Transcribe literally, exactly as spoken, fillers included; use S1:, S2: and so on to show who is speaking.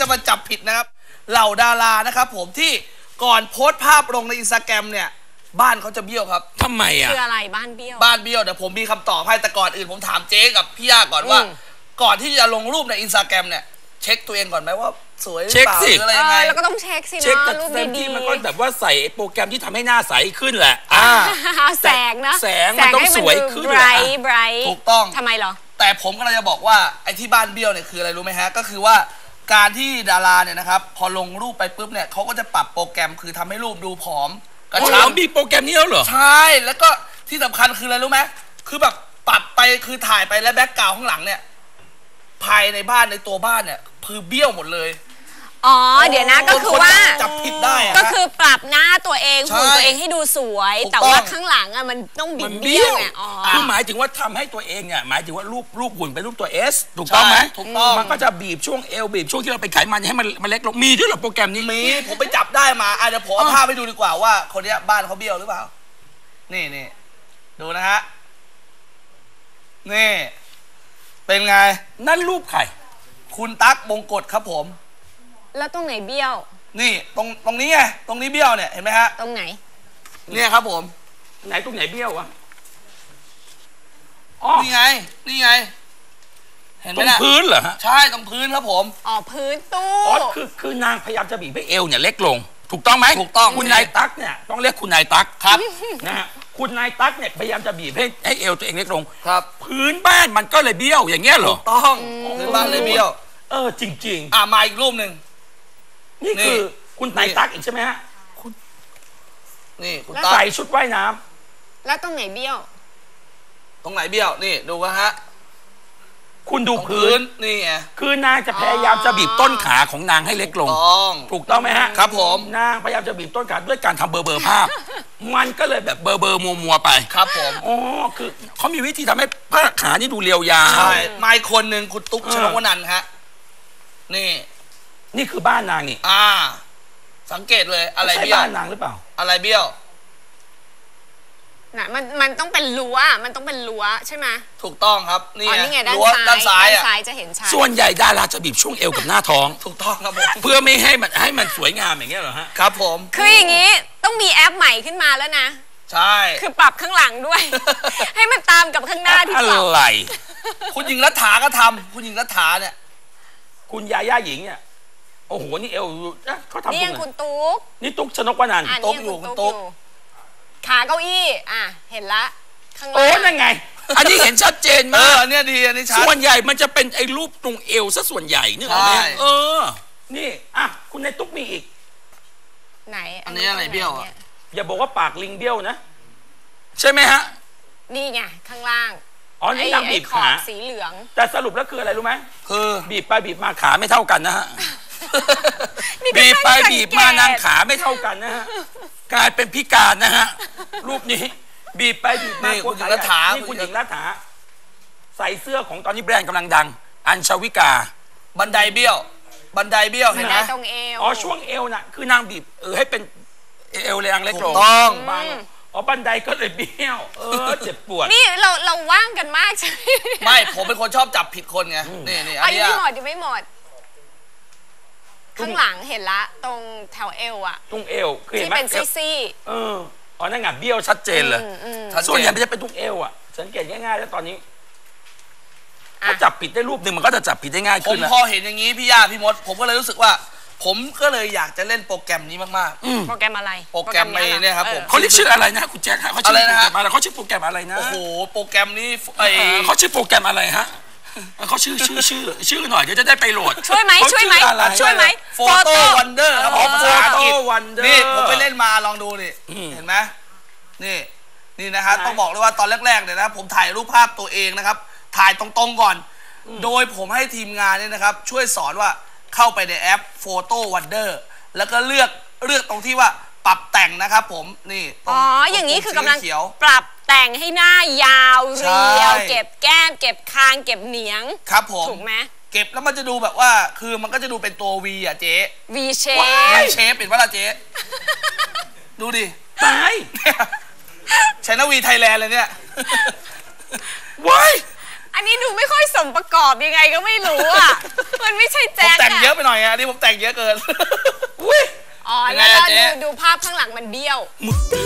S1: จะมาจับผิดนะครับเหล่าดารานะครับผมที่ก่อนโพสต์ภาพลงในอินสตาแกรมเนี่ยบ้านเขาจะเบี้ยวครับ
S2: ทำไมอ่ะ
S3: คืออะไรบ้านเบี้ยว
S1: บ้านเบี้ยวเดี๋ยวผมมีคำตอบให้แต่ก่อนอื่นผมถามเจ๊กับพี่ย่าก่อนว่าก่อนที่จะลงรูปในอินสตาแกรมเนี่ยเช็คตัวเองก่อนไหมว่าสวยหรือเปล่าหรืออะไรยังไง
S3: แล้วก็ต้องเช็คสิเนาะรูปดีๆ
S2: มันก็แบบว่าใส่โปรแกรมที่ทำให้หน้าใสขึ้นแหละ
S3: แสงนะ
S2: แสงมันต้องสวยขึ้น
S3: ไบรท์ไบรท์
S1: ถูกต้อง
S3: ทำไมเหรอ
S1: แต่ผมก็เลยจะบอกว่าไอ้ที่บ้านเบี้ยวเนี่ยคืออะไรรู้ไหมฮะก็คือว่าการที่ดาราเนี่ยนะครับพอลงรูปไปปุ๊บเนี่ยเขาก็จะปรับโปรแกรมคือทำให้รูปดูผอมกระชับ
S2: มีโปรแกรมนี้แล้วเหรอ
S1: ใช่แล้วก็ที่สำคัญคืออะไรรู้ไหมคือแบบปรับไปคือถ่ายไปแล้วแบ็คกราวด์ข้างหลังเนี่ยภายในบ้านในตัวบ้านเนี่ยคือเบี้ยวหมดเลย
S3: อ๋อเดี๋ยวนะก็คือว่า
S1: จับผิดได้
S3: ก็คือปรับหน้าตัวเองหุ่นตัวเองให้ดูสวยแต่ว่าข้างหลังอะมันต้องบิดเบี้ยวไงอ๋อ
S2: คือหมายถึงว่าทำให้ตัวเองเนี่ยหมายถึงว่ารูปรูปหุ่นเป็นรูปตัว S ถูกต้องไหม
S1: ถูกต้อง
S2: มันก็จะบีบช่วงเอวบีบช่วงที่เราเป็นไขมันให้มันมันเล็กลงมีด้วยเหรอโปรแกรมนี้
S1: มีผมไปจับได้มาอ่ะเดี๋ยวผมเอาภาพไปดูดีกว่าว่าคนนี้บ้านเขาเบี้ยวหรือเปล่านี่นี่ดูนะฮะนี่เป็นไง
S2: นั่นรูปใคร
S1: คุณตั๊กบงกฎครับผม
S3: แล้วตรงไหนเบี้ยว
S1: นี่ตรงตรงนี้ไงตรงนี้เบี้ยวเนี่ยเห็นไหมฮะ
S3: ตรงไหน
S1: เนี่ยครับผม
S2: ไหนตรงไหนเบี้ยววะ
S1: อ๋อนี่ไงนี่ไงเห็นไหม
S2: ตรงพื้นเหรอฮะ
S1: ใช่ตรงพื้นครับผม
S3: อ๋อพื้นตู้
S2: อ๋อคือคือนางพยายามจะบีบให้เอวเนี่ยเล็กลงถูกต้องไหม
S1: ถูกต้อง
S2: คุณนายตั๊กเนี่ยต้องเรียกคุณนายตั๊ก
S1: ครับ
S2: นะฮะคุณนายตั๊กเนี่ยพยายามจะบีบให้ให้เอวตัวเองเล็กลง
S1: ครับ
S2: พื้นบ้านมันก็เลยเบี้ยวอย่างเงี้ยเหรอ
S1: ถูกต้องพื้นบ้านเลยเบี้ยว
S2: เออจริง
S1: ๆอ่ะมาอีกรูปหนึ่ง
S2: นี่คือคุณนายตั๊กอีกใช่ไหมฮะคุณ
S1: นี่คุณ
S2: ตั๊กใส่ชุดว่ายน้
S3: ำแล้วตรงไหนเบี้ยว
S1: ตรงไหนเบี้ยวนี่ดูกันฮะ
S2: คุณดูพื้น
S1: นี่ไง
S2: คือนางจะพยายามจะบีบต้นขาของนางให้เล็กลงถูกต้องไหมฮะ
S1: ครับผม
S2: นางพยายามจะบีบต้นขาด้วยการทำเบอร์เบอร์ภาพมันก็เลยแบบเบอร์เบอร์มัวมัวไป
S1: ครับผม
S2: อ๋อคือเขามีวิธีทำให้ผ้าขานี่ดูเรียวยาว
S1: ใช่มาอีกคนหนึ่งคุณตุ๊กชนกวนันท์ฮะนี่
S2: นี่คือบ้านนางนี่
S1: อ่าสังเกตเลยอะไรเบี้ยว
S2: บ้านนางหรือเปล่า
S1: อะไรเบี้ยว
S3: น่ะมันมันต้องเป็นรั้วมันต้องเป็นรั้วใช่ไหม
S1: ถูกต้องครับนี่
S3: ไงรั้วด้านซ้ายด้านซ้ายจะเห็นชัด
S2: ส่วนใหญ่ดาราจะบีบช่วงเอวกับหน้าท้อง
S1: ถูกต้องครับผม
S2: เพื่อไม่ให้มันให้มันสวยงามอย่างเงี้ยเหรอฮะ
S1: ครับผม
S3: คืออย่างนี้ต้องมีแอปใหม่ขึ้นมาแล้วนะ
S1: ใช่
S3: คือปรับข้างหลังด้วยให้มันตามกับข้างหน้าที่ปรับ
S2: อะไร
S1: คุณหญิงรัฐาก็ทำคุณหญิงรัฐาเนี่ย
S2: คุณยาย่าหญิงเนี่ยโอ้โหนี่เอวเขาทำ
S3: นี่คุณตุ๊ก
S2: นี่ตุ๊กชนกวนันท์
S1: ตุ๊กอยู่คุณตุ๊ก
S3: ขาเก้าอี้อ่ะเห็นละข้างล่าง
S2: โอ้นั่นไงอันนี้เห็นชัดเจนมาก
S1: อันนี้ดีอันนี้ชัด
S2: ส่วนใหญ่มันจะเป็นไอ้รูปตรงเอวซะส่วนใหญ่นึกออกไหมเออนี่อ่ะคุณในตุ๊กมีอีก
S3: ไหน
S1: อันนี้อะไรเบี้ยวอ่ะ
S2: อย่าบอกว่าปากลิงเบี้ยวนะใช่ไหมฮะ
S3: นี่ไงข้างล่าง
S2: อ๋อนี่นางบีบขา
S3: สีเหลือง
S2: แต่สรุปแล้วคืออะไรรู้ไหม
S1: คือ
S2: บีบไปบีบมาขาไม่เท่ากันนะฮะบีบไปบีบมานางขาไม่เท่ากันนะฮะกลายเป็นพิการนะฮะรูปนี้บีบไปบีบมา
S1: คุณหญิงรัฐา
S2: นี่คุณหญิงรัฐาใส่เสื้อของตอนนี้แบรนด์กำลังดังอัญชวิกา
S1: บันไดเบี้ยวบันไดเบี้ยวเห็นไหม
S3: ตรงเอว
S2: อ๋อช่วงเอวน่ะคือนางบีบเออให้เป็นเอวแรงเล็กลง
S1: ต้อง
S2: อ๋อบันไดก็เลยเบี้ยวเออเจ็บปวด
S3: นี่เราเราว่างกันมากใช่ไห
S1: มไม่ผมเป็นคนชอบจับผิดคนไงนี่นี่
S3: อันนี้ยังไม่หมดยังไม่หมดข้างหลังเห็นละตรงแถวเอวอะ
S2: ตรงเอวคือ
S3: ที่เป็นซี่
S2: ๆเอออ๋อนั่นไงเบี้ยวชัดเจนเลยส่วนใหญ่มันจะเป็นตรงเอวอะสังเกตง่ายๆแล้วตอนนี้ถ้าจับผิดได้รูปหนึ่งมันก็จะจับผิดได้ง่ายขึ้น
S1: ผมพอเห็นอย่างนี้พี่ย่าพี่มดผมก็เลยรู้สึกว่าผมก็เลยอยากจะเล่นโปรแกรมนี้มาก
S3: ๆโปรแกรมอะไร
S1: โปรแกรมเนี่ยครับผม
S2: เขาเรียกชื่ออะไรนะคุณแจ็คเขาชื่อโปรแกรมอะไรเขาชื่อโปรแกรมอะไรนะ
S1: โอ้โหโปรแกรมนี้
S2: เขาชื่อโปรแกรมอะไรฮะเขาชื่อชื่อชื่อชื่อหน่อยเดี๋ยวจะได้ไปโหลด
S3: ช่วยไหมช่วยไหมช่วยไหม
S1: โฟโต้วันเดอร์ครับผมภาษาอังกฤษนี่ผมไปเล่นมาลองดูนี่เห็นไหมนี่นี่นะฮะต้องบอกเลยว่าตอนแรกๆเนี่ยนะผมถ่ายรูปภาพตัวเองนะครับถ่ายตรงๆก่อนโดยผมให้ทีมงานเนี่ยนะครับช่วยสอนว่าเข้าไปในแอป Photo Wonder แล้วก็เลือกเลือกตรงที่ว่าปรับแต่งนะครับผมนี่
S3: อ๋ออย่างนี้คือกำลังปรับแต่งให้หน้ายาวเรียวเก็บแก้มเก็บคางเก็บเหนียง
S1: ครับผม
S3: ถูกไหม
S1: เก็บแล้วมันจะดูแบบว่าคือมันก็จะดูเป็นตัว V อ่ะเจ๊
S3: V shape
S1: V shape เป็นว่าละเจ๊ดูดิ
S2: ตาย
S1: ชนะวีไทยแลนด์เลยเนี่ย
S2: ว้าย
S3: อันนี้ดูไม่ค่อยสมประกอบยังไงก็ไม่รู้อ่ะมันไม่ใช่แจ็ค
S1: ผมแต่งเยอะไปหน่อยอ่ะนี่ผมแต่งเยอะเกิน
S3: อ๋อแล้วดูดูภาพข้างหลังมันเบี้ยว